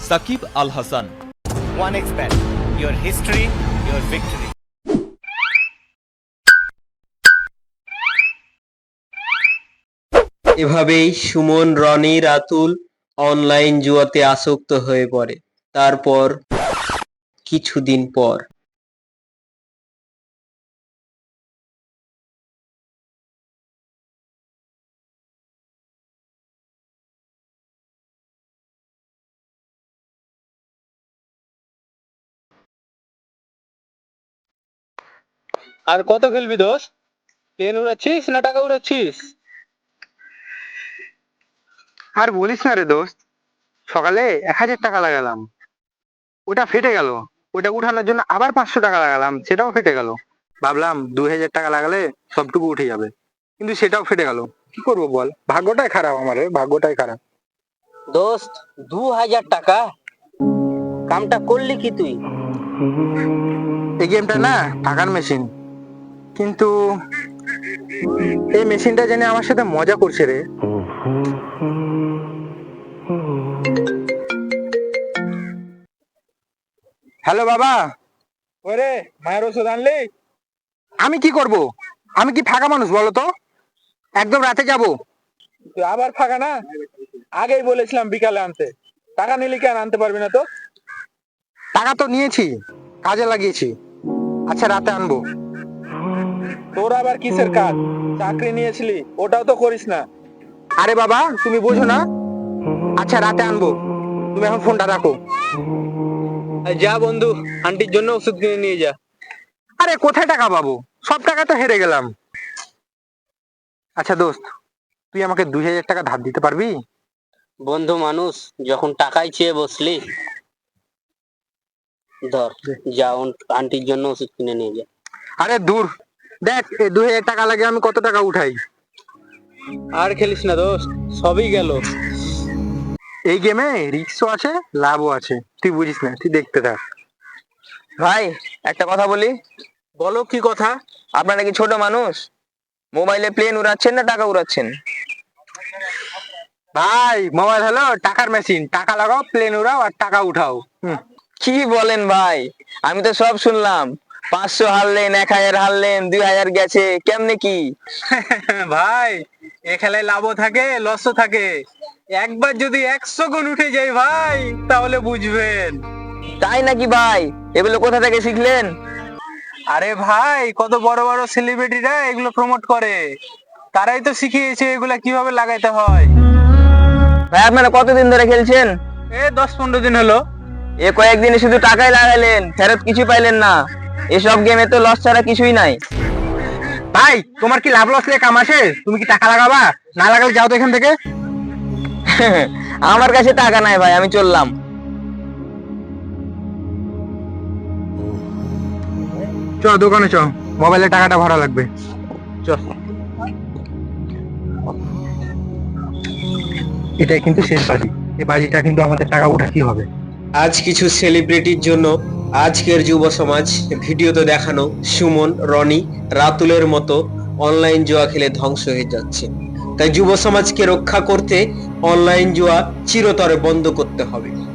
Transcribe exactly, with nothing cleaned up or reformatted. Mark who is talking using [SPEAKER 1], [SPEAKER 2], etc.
[SPEAKER 1] Shakib Al Hasan.
[SPEAKER 2] One x bet, your history, your victory.
[SPEAKER 3] এভাবেই Suman, Rony, Ratul online জুয়াতে আসক্ত হয়ে পড়ে। তারপর কিছুদিন পর
[SPEAKER 4] আর কত খেলবি দোস্ত? প্লেন উড়াচ্ছিস না টাকা উড়াচ্ছিস?
[SPEAKER 5] আর বলিস না রে দোস্ত, সকালে এক হাজার টাকা লাগালাম, ওটা ফেটে গেল। ওটা উঠানোর জন্য আবার পাঁচশো টাকা লাগালাম, সেটাও ফেটে গেল। ভাবলাম দুই হাজার টাকা লাগালে সবটুকু উঠে যাবে, কিন্তু সেটাও ফেটে গেল। কি করবো বল, ভাগ্যটাই খারাপ আমার রে, ভাগ্যটাই খারাপ।
[SPEAKER 6] দোস্ত, দু হাজার টাকা কামটা করলি কি তুই?
[SPEAKER 5] এই গেমটা না টাকার মেশিন, কিন্তু এই মেশিনটা জানি আমার সাথে মজা করছে রে। হ্যালো বাবা।
[SPEAKER 4] ওরে, মায়ের ওষুধ আনলি?
[SPEAKER 5] আমি কি করব, আমি কি ফাঁকা মানুষ বলো তো? একদম রাতে যাব।
[SPEAKER 4] তুই আবার ফাঁকা না? আগেই বলেছিলাম বিকালে আনতে। টাকা নিলি কেন, আনতে পারবি না তো?
[SPEAKER 5] টাকা তো নিয়েছি, কাজে লাগিয়েছি। আচ্ছা রাতে আনবো।
[SPEAKER 4] তোর আবার কিসের কাজ? চাকরি নিয়েছিলি, ওটাও তো করিস না।
[SPEAKER 5] আরে বাবা তুমি বোঝো না। আচ্ছা রাতে আনবো, তুমি এখন ফোনটা রাখো।
[SPEAKER 6] যা বন্ধু, আন্টির জন্য ওষুধ কিনে নিয়ে যা।
[SPEAKER 5] আরে কোথায় টাকা পাবো, সব টাকা তো হেরে গেলাম। আচ্ছা দোস্ত, তুই আমাকে দুই হাজার টাকা ধার দিতে পারবি?
[SPEAKER 6] বন্ধু মানুষ, যখন টাকাই চেয়ে বসলি, ধর যা, আন্টির জন্য ওষুধ কিনে নিয়ে যা।
[SPEAKER 5] আরে দূর, দেখ এই দুই হাজার টাকা লাগে আমি কত টাকা উঠাই।
[SPEAKER 4] আর খেলিস না দোস্ত, সবই গেল।
[SPEAKER 5] এই গেমে রিস্কও আছে, লাভও আছে, তুই বুঝিস না, তুই দেখতে থাক।
[SPEAKER 7] ভাই একটা কথা বলি।
[SPEAKER 4] বলো কি কথা?
[SPEAKER 7] আপনারা কি ছোট মানুষ? মোবাইলে প্লেন উড়াচ্ছেন না টাকা উড়াচ্ছেন?
[SPEAKER 5] ভাই মোবাইল হলো টাকার মেশিন, টাকা লাগাও, প্লেন উড়াও আর টাকা উঠাও। হুম।
[SPEAKER 7] কি বলেন ভাই, আমি তো সব শুনলাম। পাঁচশো হারলেন, এক হাজার হারলেন, দুই হাজার গেছে, কেমনে কি?
[SPEAKER 4] ভাই এ খেলায় লাভও থাকে, লসও থাকে। একবার যদি একশো গুণ উঠে যায় ভাই, তাহলে বুঝবেন।
[SPEAKER 7] তাই নাকি ভাই? এগুলো কোথা থেকে শিখলেন?
[SPEAKER 4] আরে ভাই, কত বড় বড় সেলিব্রিটিরা এগুলো প্রমোট করে, তারাই তো শিখিয়েছে এগুলা কিভাবে লাগাইতে হয়।
[SPEAKER 7] ভাই আপনারা কতদিন ধরে খেলছেন?
[SPEAKER 4] এ দশ পনেরো দিন হলো।
[SPEAKER 7] এ কয়েকদিনে শুধু টাকাই লাগাইলেন, ফেরত কিছু পাইলেন না। এসব গেমে তো লস ছাড়া কিছুই নাই।
[SPEAKER 5] ভাই তোমার কি লাভ লস নিয়ে কাম আছে? তুমি কি টাকা লাগাবা? না লাগালে যাও তো এখান থেকে।
[SPEAKER 7] আমার কাছে টাকা নাই ভাই, আমি চললাম।
[SPEAKER 5] চ দোকানে চ, মোবাইলে টাকাটা ভরা লাগবে। চ। এটাই কিন্তু শেষ বাজি, এই বাজিটা কিন্তু আমাদের টাকা উঠাতেই হবে।
[SPEAKER 3] আজ কিছু সেলিব্রিটির জন্য আজকের যুব সমাজ ভিডিওতে দেখানো সুমন, রনি, রাতুলের মতো অনলাইন জুয়া খেলে ধ্বংস হয়ে যাচ্ছে। তাই যুব সমাজকে রক্ষা করতে অনলাইন জুয়া চিরতরে বন্ধ করতে হবে।